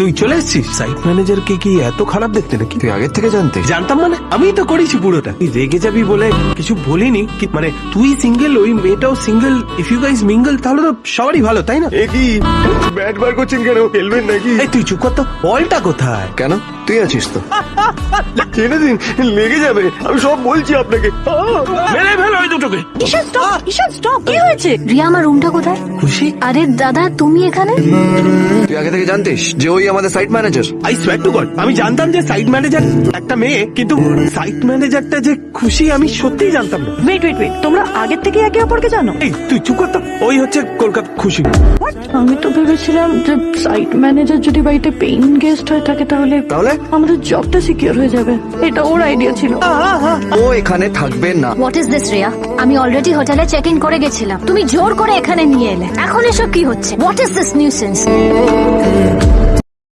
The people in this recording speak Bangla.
তুই চলে এসেছিস? সাইট ম্যানেজারকে কি এত খারাপ দেখতে নাকি? তুই আগের থেকে জানতে? জানতাম মানে, আমি তো করেছি পুরোটা। তুই রেগে যাবি বলে কিছু বলিনি, মানে তুই সিঙ্গেল, ওই মেয়েটাও single, if you guys mingle, তাহলে তো সবারই ভালো, তাই না? কি ব্যাট বার করছেন কেন? খেলবেন নাকি? এই তুই চুপ কর তো, বলটা কোথায়? কেন, তুই আছিস তো? ছেড়ে দিন, লেগে যাবে। আমি সব বলছি আপনাকে। মেরে ফেলো ওই দুটোকে। ঈশান স্টপ, ঈশান স্টপ, কি হয়েছে? রিয়া, আমার রুমটা কোথায়? খুশি? আরে দাদা, তুমি এখানে? তুই আগে থেকে জানতিস যে ওই আমাদের site manager? I swear to god, আমি জানতাম যে সাইট ম্যানেজার একটা মেয়ে, কিন্তু সাইট ম্যানেজারটা যে খুশি আমি সত্যিই জানতাম না। ওয়েট ওয়েট ওয়েট, তোমরা আগের থেকে একে অপরকে জানো? এই তুই চুপ কর তো, ওই হচ্ছে কলকাতা খুশি। আমি তো ভেবেছিলাম যে সাইট ম্যানেজার যদি বাড়িতে পেইং গেস্ট হয়ে থাকে তাহলে তাহলে আমাদের জবটা সিকিউর হয়ে যাবে। এটা ওর আইডিয়া ছিল। ও এখানে থাকবে না। What is this Riya? আমি অলরেডি হোটেলে চেক ইন করে গেছিলাম, তুমি জোর করে এখানে নিয়ে এলে। এখন এসব কি হচ্ছে? What is this nuisance?